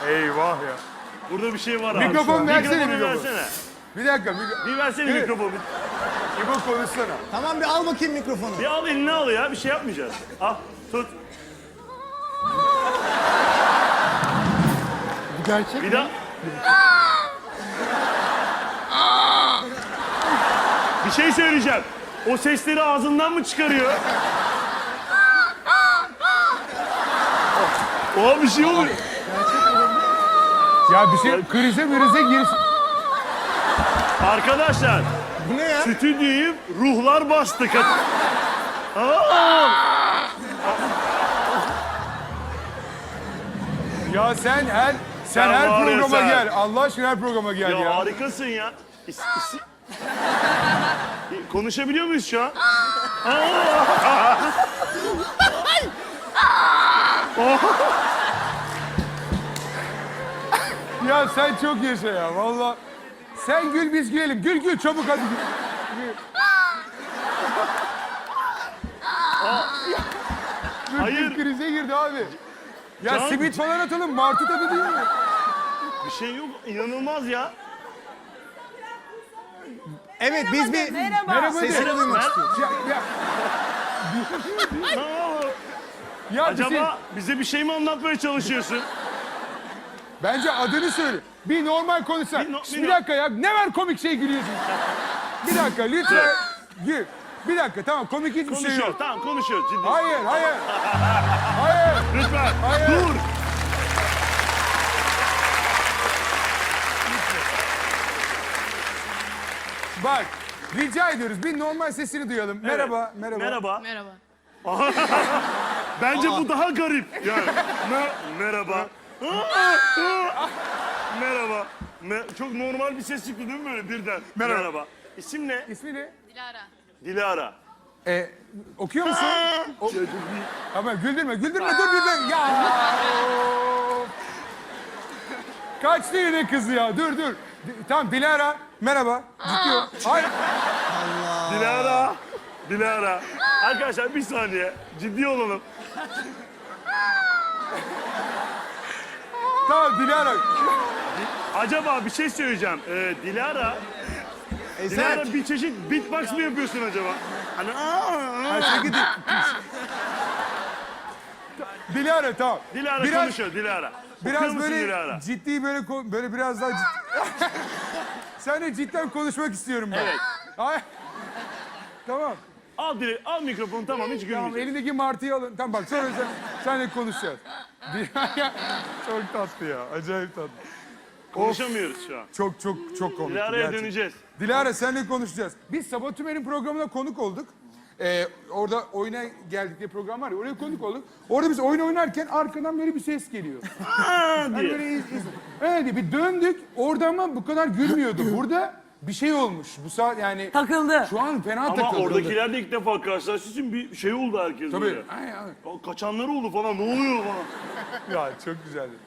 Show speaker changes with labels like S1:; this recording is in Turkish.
S1: Eyvah ya.
S2: Burada bir şey var abi.
S1: Mikrofon versene,
S2: Mikrofonu
S1: mikrofon.
S2: versene.
S1: Bir dakika.
S2: Bir versene
S1: Evet.
S2: mikrofonu.
S1: İbo konuşsana.
S3: Tamam bir al bakayım mikrofonu.
S2: Bir al eline al ya. Bir şey yapmayacağız. Al tut.
S1: Bu gerçek
S2: Bir daha. Bir şey söyleyeceğim. O sesleri ağzından mı çıkarıyor? Oha bir şey oluyor.
S1: Ya bir şey krize girsin.
S2: Arkadaşlar
S3: Bu ne ya?
S2: stüdyoyu ruhlar bastı.
S1: Ya sen her
S2: Sen var ya
S1: programa
S2: sen.
S1: gel. Allah aşkına her programa gel
S2: Ya
S1: ya.
S2: harikasın ya. Konuşabiliyor muyuz şu an?
S1: Ya sen çok yaşa ya valla. Sen gül biz gülelim. Gül çabuk hadi gül.
S2: Hayır.
S1: Krize girdi abi. Ya
S2: Can-
S1: simit falan atalım. Martı tadı değil mi?
S2: Bir şey yok. İnanılmaz ya.
S3: Evet biz bir
S1: Merhaba
S3: sesini
S1: de.
S3: duymak istiyoruz.
S1: Ya bir şey,
S2: Acaba bize bir şey mi anlatmaya çalışıyorsun?
S1: bence adını söyle. Bir normal konuşsan.
S2: Bir
S1: Bir dakika ya. Ne var komik şey gülüyorsun? Bir dakika lütfen. Gül. Bir dakika tamam komik hiçbir şey
S2: Konuşuyor.
S1: yok.
S2: Tamam konuşuyor. Ciddi.
S1: Hayır. Hayır.
S2: Lütfen.
S1: Hayır.
S2: Dur.
S1: Bak rica ediyoruz bir normal sesini duyalım. Merhaba.
S2: Merhaba.
S4: Merhaba.
S2: Bence bu daha garip. Yani. Merhaba. Merhaba. Çok normal bir ses çıktı değil mi böyle birden?
S1: Merhaba.
S2: İsim ne?
S1: İsmi ne?
S4: Dilara.
S2: Dilara.
S1: Okuyor musun? Ama güldürme dur bir. Ya. Kaçtı yine kızı ya. Dur. Tamam Dilara. Merhaba. Ciddi ol. Hayır.
S2: Dilara. Arkadaşlar bir saniye. Ciddi olalım.
S1: Tamam Dilara.
S2: Acaba bir şey söyleyeceğim. Dilara bir çeşit beatbox mı yapıyorsun acaba? Hani
S1: Dilara tamam.
S2: Dilara
S1: Biraz-
S2: konuşuyor Dilara. Okuyor
S1: Biraz
S2: musun
S1: böyle
S2: Dilara?
S1: ciddi böyle biraz daha ciddi. Seninle cidden konuşmak istiyorum ben.
S2: Evet.
S1: Hayır. Tamam.
S2: Al mikrofonu tamam hiç
S1: Tamam
S2: gülmeyeceğim.
S1: elindeki martıyı alın. Tamam bak sonra seninle konuşacağız. Çok tatlı ya. Acayip tatlı.
S2: Konuşamıyoruz şu an.
S1: Çok komik.
S2: Dilara'ya
S1: gerçekten.
S2: döneceğiz.
S1: Dilara seninle konuşacağız. Biz Sabah Tümer'in programına konuk olduk. Orada oyuna geldik diye program var ya oraya konuk olduk. Orada biz oyun oynarken arkadan böyle bir ses geliyor. Yani
S2: diye.
S1: böyle öyle bir döndük. Orada ama bu kadar gülmüyordu. Burada bir şey olmuş. Bu saat yani
S5: Takıldı.
S1: şu an fena
S2: Ama
S1: takıldı.
S2: oradakiler de ilk defa karşılaştığı için bir şey oldu herkes
S1: Tabii.
S2: böyle.
S1: Ay.
S2: Kaçanlar oldu falan ne oluyor falan.
S1: Ya çok güzeldi.